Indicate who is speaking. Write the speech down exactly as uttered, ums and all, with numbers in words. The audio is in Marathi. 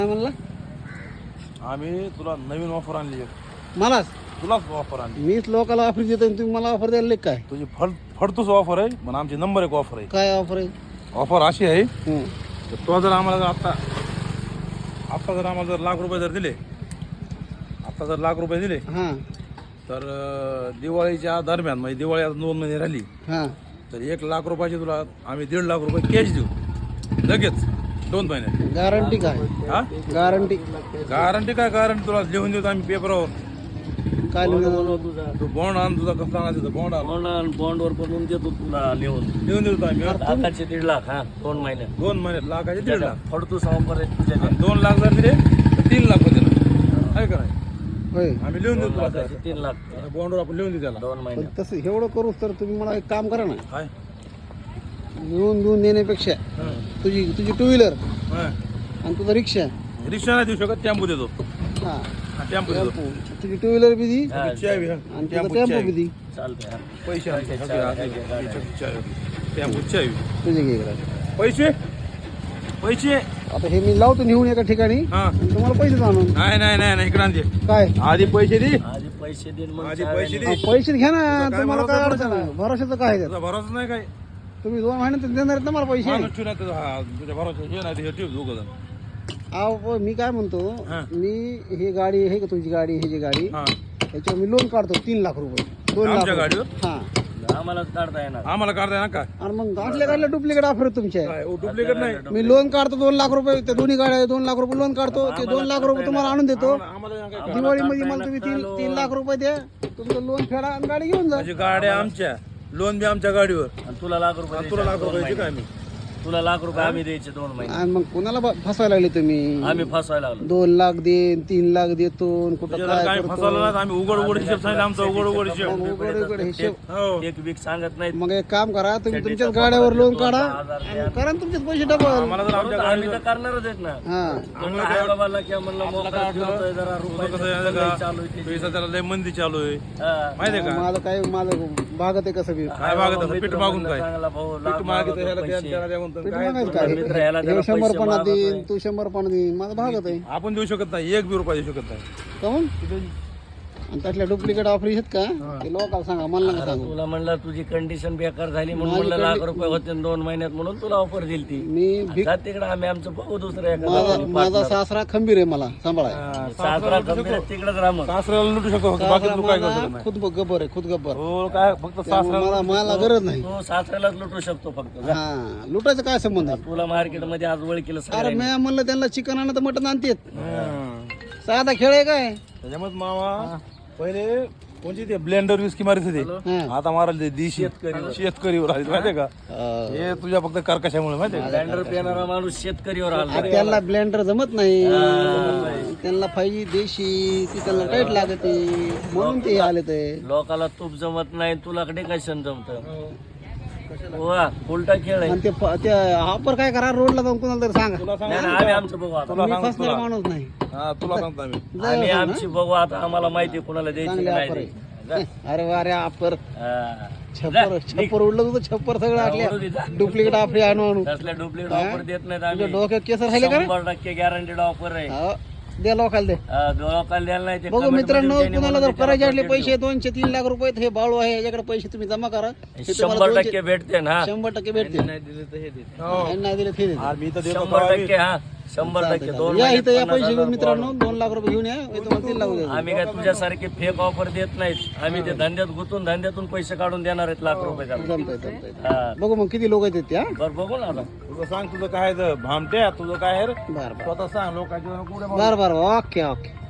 Speaker 1: काय म्हणला?
Speaker 2: आम्ही तुला नवीन ऑफर आणली आहे.
Speaker 1: मलाच
Speaker 2: तुलाच ऑफर आणली.
Speaker 1: मीच लोकांना ऑफर देतो आणि तुम्ही मला ऑफर द्यायला काय?
Speaker 2: तुझी फड फडतूस ऑफर आहे पण आमची नंबर एक ऑफर आहे.
Speaker 1: काय ऑफर आहे?
Speaker 2: ऑफर अशी आहे
Speaker 1: हं.
Speaker 2: तर तो जर आम्हाला जर आत्ता आत्ता जर आम्हाला जर लाख रुपये जर दिले आत्ता जर लाख रुपये दिले
Speaker 1: हां
Speaker 2: तर अं, दिवाळीच्या दरम्यान म्हणजे दिवाळी आता दोन महिने राहिली
Speaker 1: हां
Speaker 2: तर एक लाख रुपयाची तुला आम्ही दीड लाख रुपये कॅश देऊ लगेच दोन महिन्यात.
Speaker 1: गॅरंटी काय?
Speaker 2: हा
Speaker 1: गॅरंटी
Speaker 2: गॅरंटी काय गॅरंटी तुला लिहून देतो आम्ही पेपरावर.
Speaker 1: काय लिहून?
Speaker 2: तू बॉन्ड आण तुझा कसला आणायचं बॉन्ड आण
Speaker 3: बॉन्ड बॉन्डवर बनवून देतो तुला लिहून
Speaker 2: लिहून देतो आम्ही
Speaker 3: लाखाचे दीड लाख हा दोन महिन्यात
Speaker 2: दोन महिन्यात लाखाचे दीड लाख
Speaker 3: फडतू ऑफर आहे तुझ्या
Speaker 2: आणि दोन लाख जर दिले तर तीन लाख होते ना आहे का नाही?
Speaker 1: होय.
Speaker 2: आम्ही लिहून देतो तुला
Speaker 3: लाखाचे तीन लाख
Speaker 2: बॉन्डवर आपण लिहून देऊ त्याला.
Speaker 3: दोन
Speaker 1: पण
Speaker 3: महिन्यात
Speaker 1: तसं एवढं करू तर तुम्ही मला एक काम करा ना,
Speaker 2: काय
Speaker 1: लिहून देऊन देण्यापेक्षा तुझी तुझी टू व्हीलर
Speaker 2: हा.
Speaker 1: आणि तुझा रिक्षा
Speaker 2: रिक्षा नाही देऊ शकत टेम्पो देतो.
Speaker 1: हां
Speaker 2: हा, टेम्पो देतो
Speaker 1: तुझी टू व्हीलर बी दी
Speaker 3: हा,
Speaker 2: चावी हा.
Speaker 1: आणि तुझा
Speaker 2: टेम्पोची
Speaker 1: टेम्पो
Speaker 2: चावी.
Speaker 1: Be the.
Speaker 3: चालतंय हा.
Speaker 2: पैसे आणते.
Speaker 3: पैसे
Speaker 2: सगळे
Speaker 3: चावी,
Speaker 2: आणते.
Speaker 3: काय काय
Speaker 2: पैशाची चावी. टेम्पोची चावी.
Speaker 1: तुझे घे इकडं.
Speaker 2: पैसे पैसे
Speaker 1: आता हे मी लावतो नेऊन एका ठिकाणी
Speaker 2: हा
Speaker 1: आणि तुम्हाला पैसे आणून.
Speaker 2: नाही नाही नाही नाही इकडे आणते
Speaker 1: काय?
Speaker 2: आधी पैसे दे
Speaker 3: आधी पैसे देईन मग
Speaker 2: आधी
Speaker 3: चावी
Speaker 2: पैसे
Speaker 3: आणि-
Speaker 2: दे.
Speaker 1: हा, पैसे घ्या ना,
Speaker 2: तुझा काय
Speaker 1: तुम्हाला काय
Speaker 2: भरोसा
Speaker 1: अडचण आहे? भरोशाचं काय आहे त्यात?
Speaker 2: तुझा भरोसा नाही काय
Speaker 1: तुम्ही दोन महिन्यात देणार आहेत ना मला पैसे.
Speaker 2: माणूस ठेवून आहे तुझा, हा, तुझ्या भरोसा हे नाही हे ठेव दोघं जण.
Speaker 1: अहो मी काय म्हणतो,
Speaker 2: हा.
Speaker 1: मी ही गाडी आहे का तुझी गाडी, ही जी गाडी
Speaker 2: हा
Speaker 1: याच्यावर मी लोन काढतो तीन लाख रुपये. दोन लाख
Speaker 2: आमच्या
Speaker 1: रुपये.
Speaker 2: गाडीवर
Speaker 1: हा
Speaker 3: आम्हाला काढता येणार
Speaker 2: आम्हाला काढताय ना काय
Speaker 1: आणि मग गाठल्या गाडल्या डुप्लिकेट ऑफर तुमच्या.
Speaker 2: काय डुप्लिकेट नाही
Speaker 1: मी लोन काढतो दोन लाख रुपये, त्या दोन्ही गाड्या दोन लाख रुपये लोन काढतो, ते दोन लाख रुपये तुम्हाला आणून देतो.
Speaker 2: आम्हाला काय
Speaker 1: दिवाळीमध्ये मला तुम्ही तीन तीन लाख रुपये द्या, तुमचं लोन फेडा आणि गाडी घेऊन जा.
Speaker 2: म्हणजे गाड्या आमच्या लोन बी आमच्या गाडीवर
Speaker 3: आणि तुला लाख रुपये
Speaker 2: तुला लाख
Speaker 3: द्यायचे दोन
Speaker 2: रुपयाची काय
Speaker 3: महिन्यात.
Speaker 2: मी
Speaker 3: तुला लाख रुपये आम्ही द्यायचे दोन महिने
Speaker 1: आणि मग कोणाला ब- फसवायला लागले तुम्ही?
Speaker 3: आम्ही फसवायला लागलो
Speaker 1: दोन लाख देन तीन लाख देतो आणि कुठं
Speaker 2: तुझ्या
Speaker 1: काय
Speaker 2: काय
Speaker 1: करतो.
Speaker 2: फसवलं नाही आम्ही उघड उघड हिशेब सांगितलं आमचा उघड उघड हिशेब.
Speaker 1: मग उघड उघड हिशेब.
Speaker 2: हो
Speaker 3: एक वीक सांगत नाही
Speaker 1: मग एक काम करा, तुम्ही तुमच्याच गाड्यावर लोन काढा आणि करा ना तुमचेच पैसे डबल.
Speaker 2: आम्हाला जर आमच्या
Speaker 3: आम्ही तर करणारच आहेत ना
Speaker 1: हा
Speaker 3: म्हणलं आई बाबाला किंवा म्हणलं मोकळा ठेवतोय जरा
Speaker 2: तुझं कसं
Speaker 3: रुपये
Speaker 2: आहे का
Speaker 3: चालू आहे
Speaker 2: पैसा त्याला लय मंदी चालू आहे
Speaker 3: हा.
Speaker 2: माहिती आहे का
Speaker 1: माझं काय माझं भागत आहे कसं बी.
Speaker 2: काय मागत असं पीठ मागून काय
Speaker 3: चांगला भाऊ लाख
Speaker 2: पीठ मागितलं
Speaker 3: मागवतो
Speaker 2: ह्याला द्या
Speaker 3: पैसे.
Speaker 2: त्याला द्या म्हणतो
Speaker 1: पीठ
Speaker 2: काय
Speaker 1: मागायचं काय?
Speaker 3: मित्र ह्याला
Speaker 1: हे
Speaker 3: जरा
Speaker 1: शंभर
Speaker 3: पैसे
Speaker 1: पन्नास
Speaker 3: मागतोय.
Speaker 1: देईन, तू शंभर पन्नास देईन, माझं भागत आहे.
Speaker 2: आपण देऊ शकत नाही एक बी रुपया देऊ शकत नाही.
Speaker 1: काहून? आणि त्यातल्या डुप्लिकेट ऑफर आहेत का ते लोकांना सांगा, मला नका सांगू.
Speaker 3: तुला म्हणलं तुझी कंडिशन बेकार झाली म्हणून
Speaker 1: माझी
Speaker 3: म्हणलं लाख
Speaker 1: condi-
Speaker 3: रुपये होते न दोन महिन्यात म्हणून तुला ऑफर दिली ती
Speaker 1: मी भीक
Speaker 3: जा तिकडे आम्ही आमचं बघू दुसऱ्या
Speaker 1: माझा
Speaker 3: एखादा
Speaker 1: माझा सासरा खंबीर आहे मला सांभाळाय.
Speaker 3: सासरा गंभीर तिकडेच राहा मग
Speaker 2: सासऱ्याला लुटू शकतो फक्त, बाकी तू काय करू शकत नाही.
Speaker 1: खुद गब्बर आहे, खुद गब्बर.
Speaker 2: हो काय फक्त
Speaker 1: त्यामुळे
Speaker 2: सासऱ्याला
Speaker 1: मला मला गरज नाही.
Speaker 3: तू सासऱ्यालाच लुटू शकतो फक्त जा.
Speaker 1: हा लुटायचं काय संबंध आहे?
Speaker 3: तुला मार्केट मध्ये आज ओळखीलं
Speaker 1: अरे
Speaker 3: सगळ्यांनी.
Speaker 1: मी म्हणलं त्यांना चिकन आणत मटन आणतेत.
Speaker 2: हं.
Speaker 1: साधा खेळ आहे काय?
Speaker 2: त्याच्यामुळे मामा पहिले कोणची ते ब्लेंडर विस्की मारित होते
Speaker 1: हा.
Speaker 2: आता मारायला ते देशी शेतकरीवर आले माहितीये का
Speaker 1: अं,
Speaker 2: हे तुझ्या फक्त कर्कशामुळे माहितीये का
Speaker 3: ब्लेंडर पिणारा माणूस शेतकरीवर आला
Speaker 1: आ, त्यांना ब्लेंडर जमत नाही, त्यांना पाहिजे देशी, ती त्यांना टाईट लागते म्हणून ते आले ते.
Speaker 3: लोकाला तूप जमत नाही तुला कडे कशाने जमत वा उलटा खेळ आहे
Speaker 1: आणि ते प- ते ऑफर काय करा, रोडला जाऊन कोणाला तरी सांगा.
Speaker 2: तुला सांग
Speaker 3: नाही, नाही, आम्ही आमचं बघू आता
Speaker 2: तुला
Speaker 1: मी
Speaker 2: सांग
Speaker 1: फसणार
Speaker 2: तुला
Speaker 1: माणूस नाही.
Speaker 2: हा तुला सांगतो आम्ही
Speaker 3: आम्ही आमची बघू आता आम्हाला माहिती आहे कुणाला द्यायची
Speaker 1: चांगले
Speaker 3: नाही
Speaker 1: ऑफर
Speaker 3: द्यायची.
Speaker 1: आहे. अरे वा रे ऑफर
Speaker 3: हा.
Speaker 1: छप्पर छप्पर उडलं तुझं छप्पर सगळं आटल्या डुप्लिकेट ऑफर आणू आणू.
Speaker 3: तसल्या डुप्लिकेट ऑफर देत नाहीत
Speaker 1: तुझ्या
Speaker 3: आम्ही
Speaker 1: डोक्यात केसर राहिले का रे?
Speaker 3: शंभर टक्के गॅरंटीड ऑफर आहे
Speaker 1: हो, दे लोकांना दे.
Speaker 3: हा, लोकांना द्यायला नाही ते
Speaker 1: बघू
Speaker 3: comment
Speaker 1: मित्रांनो,
Speaker 3: मध्ये ज्यांनी
Speaker 1: कुणाला जर
Speaker 3: म्हणून
Speaker 1: करायचे
Speaker 3: त्याला
Speaker 1: असले
Speaker 3: budget
Speaker 1: पैसे दोनशे तीन लाख रुपये हे बाळू आहे, याच्याकडे पैसे तुम्ही जमा करा. हे
Speaker 3: देऊ.
Speaker 1: तुम्हाला
Speaker 3: शंभर
Speaker 1: दोनशे-
Speaker 3: टक्के भेटते ना
Speaker 1: शंभर टक्के भेटते.
Speaker 2: हो.
Speaker 1: आणि नाही दिले ते देते.
Speaker 2: आज मी तर देतो
Speaker 3: शंभर
Speaker 2: का
Speaker 3: टक्के हा शंभर टक्के दोन
Speaker 1: या
Speaker 3: महिन्यात
Speaker 1: इथं या
Speaker 3: पन्नास
Speaker 1: पैसे घेऊन
Speaker 3: हजार
Speaker 1: मित्रांनो, दोन लाख रुपये घेऊन या, मी तुम्हाला तीन लाख रुपये देतो.
Speaker 3: आम्ही काय तुझ्यासारखे फेक ऑफर देत नाहीत आम्ही ते धंद्यात गुंतून धंद्यातून पैसे काढून देणार आहेत लाख रुपये त्याला.
Speaker 1: जमतंय जमतंय.
Speaker 3: हा.
Speaker 1: बघू मग किती लोक येतात त्या.
Speaker 3: बरं बघू ना आता
Speaker 2: तुझं सांग तुझं काय आहे ते भामट्या तुझं काय आहे रे?
Speaker 1: बरं बरं
Speaker 2: स्वतः सांग लोकांच्या कुठे
Speaker 1: बरं बरं ओके ओके.